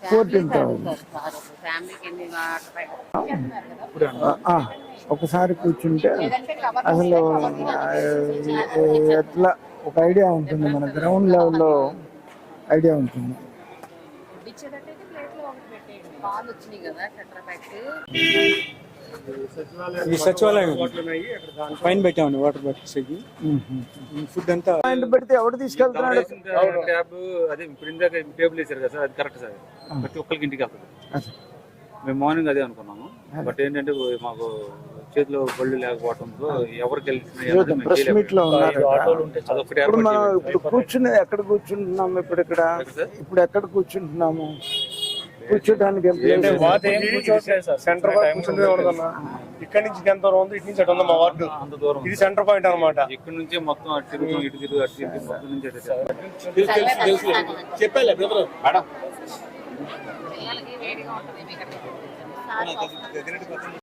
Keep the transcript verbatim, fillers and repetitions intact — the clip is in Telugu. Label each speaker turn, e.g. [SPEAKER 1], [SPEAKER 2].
[SPEAKER 1] ఫోర్టీన్ థౌసండ్ ఒకసారి కూర్చుంటే అసలు ఎట్లా ఒక ఐడియా ఉంటుంది, మన గ్రౌండ్ లెవెల్లో ఐడియా ఉంటుంది.
[SPEAKER 2] ఈ సచివాలయం పైన పెట్టామండి వాటర్ బాటిల్స్ ఫుడ్ అంతా
[SPEAKER 1] పాయింట్ పెడితే ఎవరు తీసుకెళ్తున్నాడు?
[SPEAKER 3] ట్యాబ్ అదే ఇప్పుడు ఇందాక టేబుల్ వేసారు కదా సార్, అది కరెక్ట్ సార్. ప్రతి ఒక్కరికి ఇంటికి వెళ్తుంది. మేము మార్నింగ్ అదే అనుకున్నాము. బట్ ఏంటంటే మాకు చేతిలో బళ్ళు లేకపోవడంతో ఎవరికి
[SPEAKER 1] ప్రెస్ మీట్ లో ఉన్నారు. ఇప్పుడు మనం ఇప్పుడు కూర్చుని ఎక్కడ కూర్చుంటున్నాము? ఇప్పుడు ఇక్కడ ఇప్పుడు ఎక్కడ కూర్చుంటున్నాము? కూర్చోడానికి
[SPEAKER 4] సెంటర్ ఇక్కడ నుంచి ఎంత దూరం ఉంది, ఇటు నుంచి అటు ఉంది మా వార్డు.
[SPEAKER 3] అంత దూరం
[SPEAKER 4] ఇది సెంటర్ పాయింట్ అనమాట.
[SPEAKER 3] ఇక్కడ నుంచి మొత్తం అటు తిరుగుతాం, ఇటు తిరుగు అటు తిరుగు మొత్తం నుంచి
[SPEAKER 2] చెప్పాలి
[SPEAKER 3] మేడం.